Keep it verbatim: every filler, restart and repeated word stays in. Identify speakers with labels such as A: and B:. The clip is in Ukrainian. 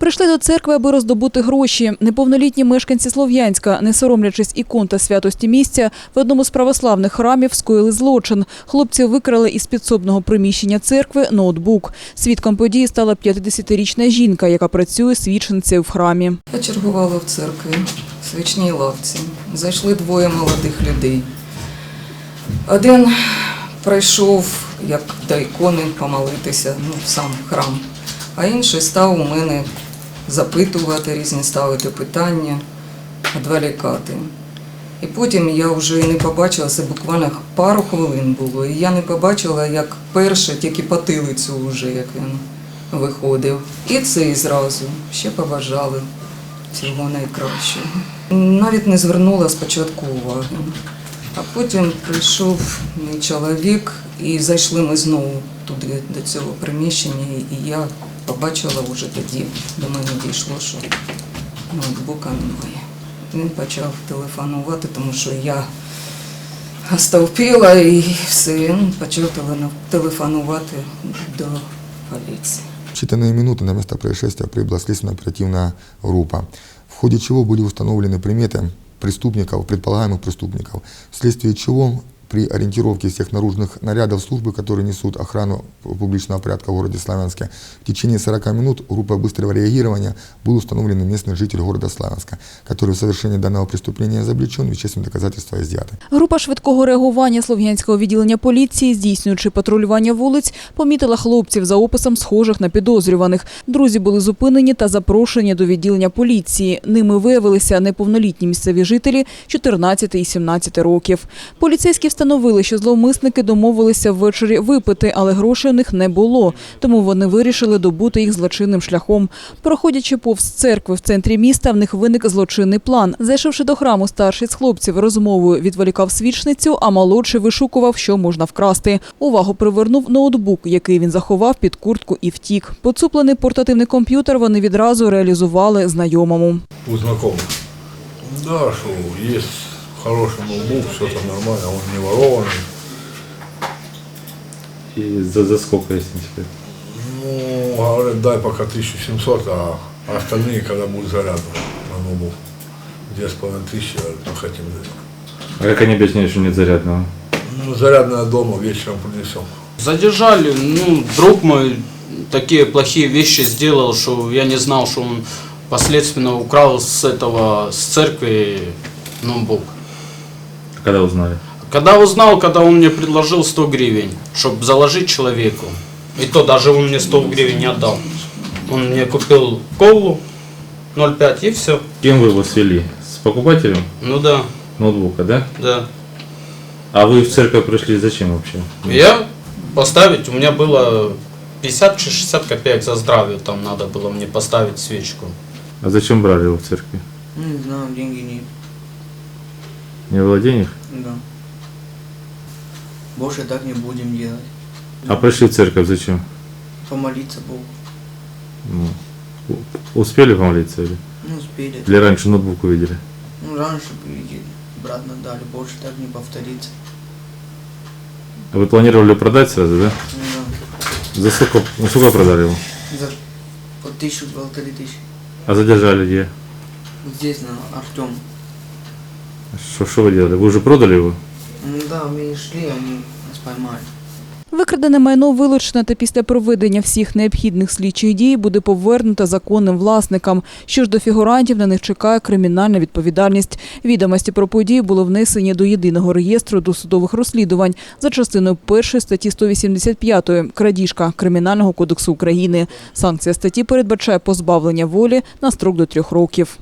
A: Прийшли до церкви, аби роздобути гроші. Неповнолітні мешканці Слов'янська, не соромлячись ікон та святості місця, в одному з православних храмів скоїли злочин. Хлопці викрали із підсобного приміщення церкви ноутбук. Свідком події стала п'ятдесятирічна жінка, яка працює свічницею в храмі.
B: Я чергувала в церкві, в свічній лавці. Зайшли двоє молодих людей. Один прийшов, як до ікони, помолитися, ну, в сам храм. А інший став у мене запитувати, різні ставити питання, відволікати. І потім я вже і не побачила, це буквально пару хвилин було, і я не побачила, як перше, тільки потилицю вже, як він виходив. І цей зразу ще побажали всього найкращого. Навіть не звернула спочатку уваги. А потім прийшов мій чоловік, і зайшли ми знову туди, до цього приміщення, і я побачила вже тоді, до мене дійшло, що ноутбука немає. Він почав телефонувати, тому що я стовпіла і все, він почав телефонувати до поліції.
C: В считанные минуты на место происшествия прибыла следственно-оперативная группа, в ходе чего были установлены приметы преступников, предполагаемых преступников, вследствие чего при ориентировке всех наружных нарядов службы, которые несут охрану публичного порядка в городе Славянске, в течение сорока минут группой быстрого реагирования был установлен местный житель города Славянска, который в совершении данного преступления изобличен, вещественные доказательства изъяты.
A: Група швидкого реагування Слов'янського відділення поліції, здійснюючи патрулювання вулиць, помітила хлопців за описом схожих на підозрюваних. Друзі були зупинені та запрошені до відділення поліції. Ними виявилися неповнолітні місцеві жителі чотирнадцяти і сімнадцяти років. Поліцейські встановили, що зловмисники домовилися ввечері випити, але грошей у них не було, тому вони вирішили добути їх злочинним шляхом. Проходячи повз церкви в центрі міста, в них виник злочинний план. Зайшовши до храму, старший з хлопців розмовою відволікав свічницю, а молодший вишукував, що можна вкрасти. Увагу привернув ноутбук, який він заховав під куртку і втік. Поцуплений портативний комп'ютер вони відразу реалізували знайомому.
D: У знайомих. Да, що є хороший ноутбук, все там нормально, он не ворованный.
E: И за, за сколько, если не секрет?
D: Ну, говорят, дай пока тысячу семьсот, а остальные, когда будет зарядно на ноутбук. Две с половиной тысячи, мы хотим взять.
E: А как они объясняют, что нет зарядного?
D: Ну, зарядное дома вечером принесем.
F: Задержали, ну, друг мой такие плохие вещи сделал, что я не знал, что он последственно украл с этого, с церкви ноутбук.
E: Когда узнали?
F: Когда узнал, когда он мне предложил сто гривен, чтобы заложить человеку. И то даже он мне сто гривен не отдал. Он мне купил колу ноль пять и все.
E: Кем вы его свели? С покупателем?
F: Ну да.
E: Ноутбука, да?
F: Да.
E: А вы в церковь пришли зачем вообще?
F: Я поставить, у меня было пятьдесят-шестьдесят копеек за здравие, там надо было мне поставить свечку.
E: А зачем брали его в церкви?
G: Не знаю, деньги нет.
E: Не было денег?
G: Да. Больше так не будем делать.
E: А пришли в церковь зачем?
G: Помолиться Богу.
E: Ну, у- успели помолиться или?
G: Ну, успели.
E: Или раньше ноутбук увидели?
G: Ну, раньше и обратно дали, больше так не повторится.
E: А вы планировали продать сразу, да?
G: Ну, да.
E: За сколько, ну, сколько продали его?
G: За по тысячу, полторы тысячи.
E: А задержали где?
G: Здесь, на Артем.
E: Что, что вы делали? Вы уже продали его?
G: Ну да, мы шли, они нас поймали.
A: Викрадене майно вилучено та після проведення всіх необхідних слідчих дій буде повернуто законним власникам. Що ж до фігурантів, на них чекає кримінальна відповідальність. Відомості про події були внесені до єдиного реєстру досудових розслідувань за частиною першої статті сто вісімдесят п'ять «Крадіжка» Кримінального кодексу України. Санкція статті передбачає позбавлення волі на строк до трьох років.